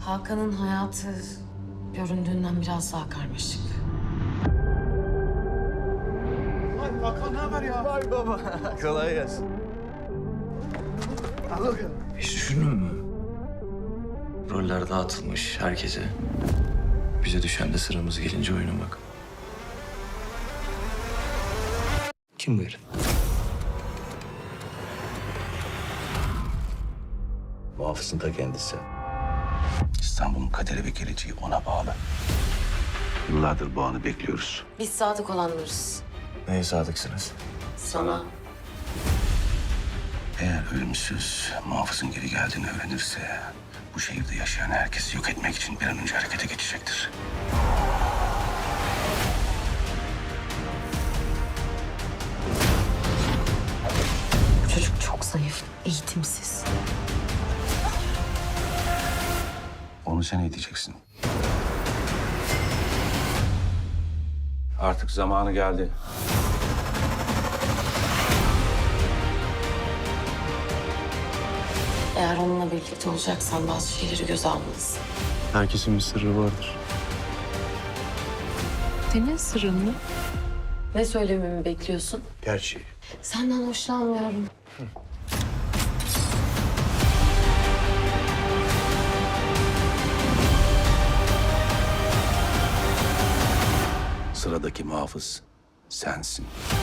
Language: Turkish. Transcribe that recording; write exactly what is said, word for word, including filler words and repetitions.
Hakan'ın hayatı göründüğünden biraz daha karmaşık. Vay Hakan ne haber ya? Vay baba. Kolay gelsin. Al bakalım. Hiç düşündün mü? Roller dağıtılmış herkese. Bize düşen de sıramız gelince oynamak. Kim bu herif? Muhafızın da kendisi. İstanbul'un kaderi ve geleceği ona bağlı. Yıllardır bu anı bekliyoruz. Biz sadık olanlarız. Neye sadıksınız? Sana. Eğer ölümsüz muhafızın geri geldiğini öğrenirse... bu şehirde yaşayan herkesi yok etmek için bir an önce harekete geçecektir. Bu çocuk çok zayıf, eğitimsiz. Onu sen eğiteceksin. Artık zamanı geldi. Eğer onunla birlikte olacaksan bazı şeyleri göze almalısın. Herkesin bir sırrı vardır. Senin sırrın mı? Ne söylememi bekliyorsun? Gerçeği. Senden hoşlanmıyorum. Sıradaki muhafız sensin.